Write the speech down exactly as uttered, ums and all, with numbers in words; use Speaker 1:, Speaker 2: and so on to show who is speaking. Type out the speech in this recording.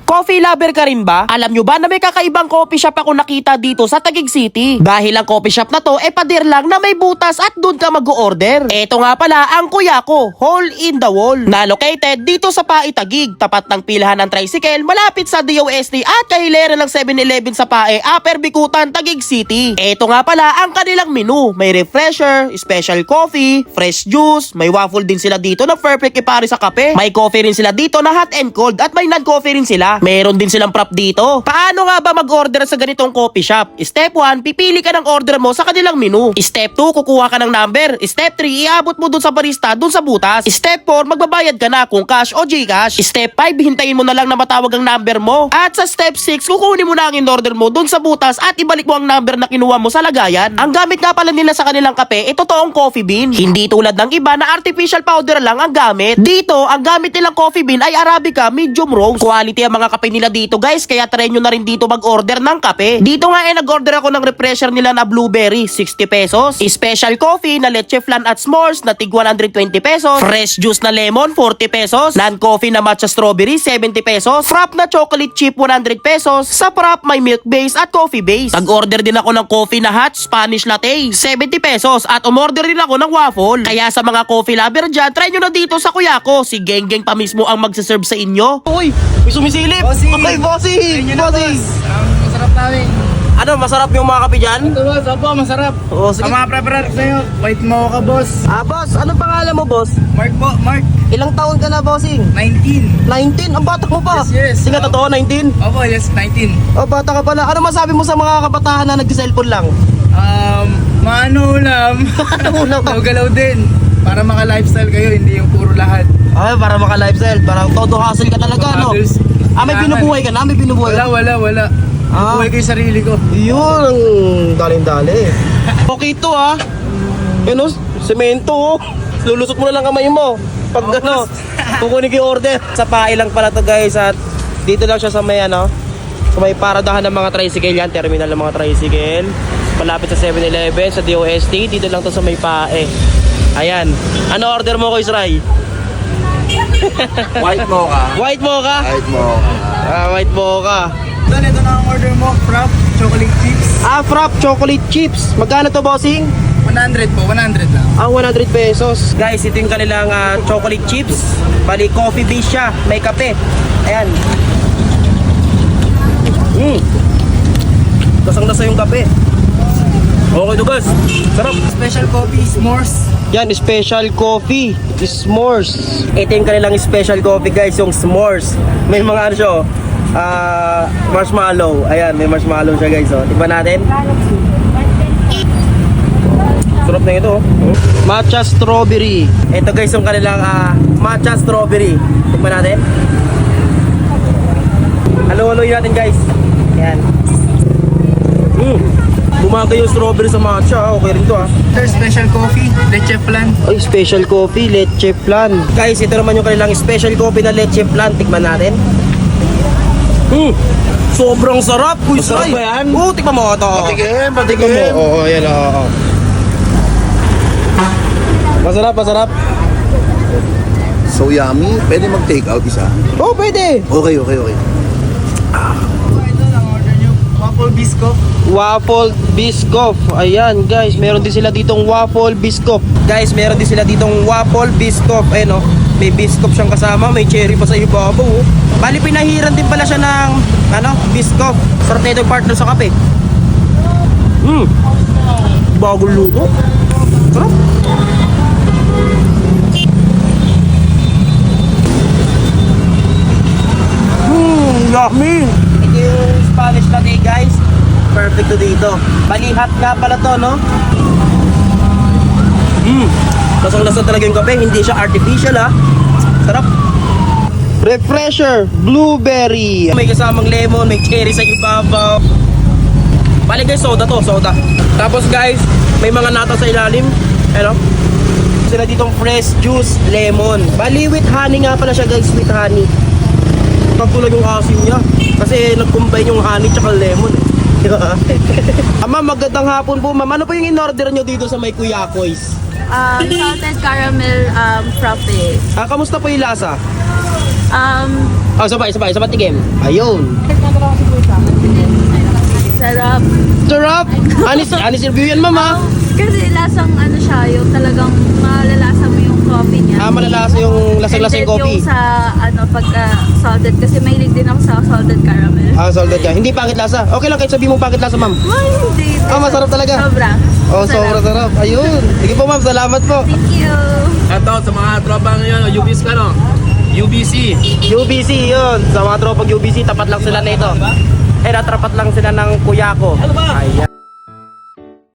Speaker 1: Coffee lover ka rin ba? Alam nyo ba na may kakaibang coffee shop ako nakita dito sa Taguig City? Dahil ang coffee shop na to e pader lang na may butas at dun ka mag-order. Eto nga pala ang kuya ko, Hole in the Wall, na located dito sa Pae, Taguig, tapat ng pilahan ng tricycle, malapit sa D O S T at kahilera ng seven eleven sa Pae, Upper Bikutan, Taguig City. Eto nga pala ang kanilang menu. May refresher, special coffee, fresh juice, may waffle din sila dito na perfect ipare sa kape. May coffee rin sila dito na hot and cold at may non-coffee rin sila. Meron din silang prop dito. Paano nga ba mag-order sa ganitong coffee shop? Step one, pipili ka ng order mo sa kanilang menu. Step two, kukuha ka ng number. Step three, iabot mo dun sa barista dun sa butas. Step four, magbabayad ka na kung cash o Gcash. Step five, hintayin mo na lang na matawag ang number mo. At sa step six, kukunin mo na ang in-order mo dun sa butas at ibalik mo ang number na kinuha mo sa lagayan. Ang gamit nga pala nila sa kanilang kape, ito toong coffee bean. Hindi tulad ng iba na artificial powder lang ang gamit. Dito, ang gamit nilang coffee bean ay Arabica medium roast. Quality ang mga kape nila dito guys, kaya try nyo na rin dito mag-order ng kape. Dito nga eh nag-order ako ng refresher nila na blueberry, sixty pesos. Special coffee na leche flan at s'mores na tig one hundred twenty pesos. Fresh juice na lemon, forty pesos. Non-coffee na matcha strawberry, seventy pesos. Frap na chocolate chip, one hundred pesos. Sa frap may milk base at coffee base. Nag-order din ako ng coffee na hot Spanish latte, seventy pesos. At umorder din ako ng waffle. Kaya sa mga coffee lover dyan, try nyo na dito sa kuya ko. Si Geng Geng pa mismo ang magsaserve sa inyo. Uy, may sumisilip.
Speaker 2: Bossing!
Speaker 1: Okay, bossing!
Speaker 2: Ayun na,
Speaker 1: Bossing!
Speaker 2: boss. Ang masarap namin.
Speaker 1: Ano, masarap yung mga kape dyan?
Speaker 2: Ito boss, opo, masarap.
Speaker 1: Oo, sige.
Speaker 2: Ang mga preference sa'yo, white mocha boss.
Speaker 1: Ah, boss, anong pangalan mo, boss?
Speaker 2: Mark po, Mark.
Speaker 1: Ilang taon ka na, bossing?
Speaker 2: nineteen.
Speaker 1: nineteen? Ang bata mo pa.
Speaker 2: Yes, yes.
Speaker 1: Sige,
Speaker 2: Oo.
Speaker 1: totoo, nineteen?
Speaker 2: Opo, yes, nineteen.
Speaker 1: Oh, bata ka pala. Ano masabi mo sa mga kabataan na nag-cellphone lang?
Speaker 2: Um, maano ulam.
Speaker 1: Ano ulam?
Speaker 2: Galaw-galaw din. Para maka-lifestyle kayo, hindi yung puro lahat.
Speaker 1: Ay, para maka-lifestyle. Parang todo hustle ka talaga, no?
Speaker 2: Others,
Speaker 1: Ah, may
Speaker 2: kailangan.
Speaker 1: binubuhay ka na? May binubuhay
Speaker 2: Wala,
Speaker 1: ka?
Speaker 2: wala, wala.
Speaker 1: Ah.
Speaker 2: Buhay ko yung sarili ko.
Speaker 1: Yun, ang daling-dali. Okay to, ah. Yun, oh, semento, oh. Lulusot mo na lang kamay mo. Pag
Speaker 2: Oh,
Speaker 1: ano,
Speaker 2: boss.
Speaker 1: kukunin ko yung order. Sa Pae lang pala to, guys. At dito lang siya sa may, ano, sa may paradahan ng mga tricycle yan. Terminal ng mga tricycle. Malapit sa seven eleven, sa D O S T. Dito lang to sa may Pae. Ayan. Ano order mo ko, Isray?
Speaker 3: White mocha.
Speaker 1: White mocha?
Speaker 3: White mocha.
Speaker 1: Ah, white mocha.
Speaker 2: Doon, ito na ang order mo. Frap, chocolate chips.
Speaker 1: Ah, frap chocolate chips. Magkano to, bossing?
Speaker 2: one hundred po, one hundred lang.
Speaker 1: Ah, one hundred pesos. Guys, ito yung kanilang ah, chocolate chips. Bali, coffee base siya. May kape. Ayan. Mm. Lasang-lasa yung kape. Okay to, guys. Sarap.
Speaker 2: Special coffee, s'mores.
Speaker 1: Yan, special coffee. S'mores. Ito yung kanilang special coffee, guys. Yung s'mores. May mga ano siya, oh. Ah, marshmallow. Ayan, may marshmallow siya, guys. Oh. Tignan natin. Sarap na ito, oh. Matcha strawberry. Ito, guys, yung kanilang ah, matcha strawberry. Tignan natin. Halo-haloy natin, guys. Ayan. Mm. Bumaga yung strawberry sa matcha. Okay rin to, ah.
Speaker 2: Sir, special coffee, leche flan.
Speaker 1: Ay, special coffee, leche flan. Guys, ito naman yung kanilang special coffee na leche flan. Tikman natin. Hmm, sobrang sarap. Kuy,
Speaker 3: Masarap ba yan?
Speaker 1: Oo, tikman mo ito.
Speaker 3: Patigim,
Speaker 1: Tikman
Speaker 3: patigim.
Speaker 1: mo. Oo, yan, oo. Masarap, masarap.
Speaker 3: So yummy. Pwede mag-take out isa.
Speaker 1: Oo, pwede.
Speaker 3: Okay, okay, okay.
Speaker 2: Ito ang order nyo, waffle biscuit.
Speaker 1: Waffle biscoff. Ayan, guys, meron din sila ditong waffle biscoff. Guys, meron din sila ditong waffle biscoff. Ayan, oh. May biscoff siyang kasama, may cherry pa sa ibabaw, oh. Bali, pinahiran din pala siya ng, ano, biscoff. Sarap na itong partner sa kape. Hmm. Bagong luto. Sarap. Hmm, yummy. Ito yung Spanish latte, guys. Perfect to dito. Bali, hot nga pala to, no? Hmm. Lasang-lasa talaga yung kape. Hindi siya artificial, ha? Sarap. Refresher, blueberry. May kasamang lemon, may cherry sa ibabaw. Bali, guys, soda to, soda. Tapos, guys, may mga nata sa ilalim. Ano? Sila ditong fresh juice, lemon. Bali, with honey nga pala siya, guys, with honey. Pagtulag yung asim niya. Kasi nag-combine yung honey tsaka lemon. Diba? Ah, ma'am, magandang hapon po, ma'am. Ano po yung in-order nyo dito sa may Kuya Koy's?
Speaker 4: Um, salted caramel um, frappe.
Speaker 1: Ah, kamusta po yung lasa?
Speaker 4: Um,
Speaker 1: Oh, sabay, sabay, sabay tigim. Ayun.
Speaker 4: Sarap.
Speaker 1: Sarap! Anis, anis review yan, mama.
Speaker 4: Kasi lasang ano siya, yung talagang malalasa mo yung coffee niya.
Speaker 1: Ah, malalasa yung lasang-lasang
Speaker 4: And then
Speaker 1: coffee.
Speaker 4: yung sa ano, pagka salted, kasi mahilig din ako sa salted caramel.
Speaker 1: Ah, salted ka. Hindi pangit lasa. Okay lang kahit sabihin mo pangit lasa, ma'am.
Speaker 4: Ay, hindi.
Speaker 1: Ah, masarap talaga.
Speaker 4: Sobra.
Speaker 1: Oh, sobrang sarap. Ayun. Sige po, ma'am. Salamat po.
Speaker 4: Thank you.
Speaker 2: Ito, sa mga tropa ngayon, U B C ka, no? U B C.
Speaker 1: U B C yun. Sa mga tropang U B C, tapat lang sila nito. Eh, natrapat lang sila ng kuya ko. Ayan.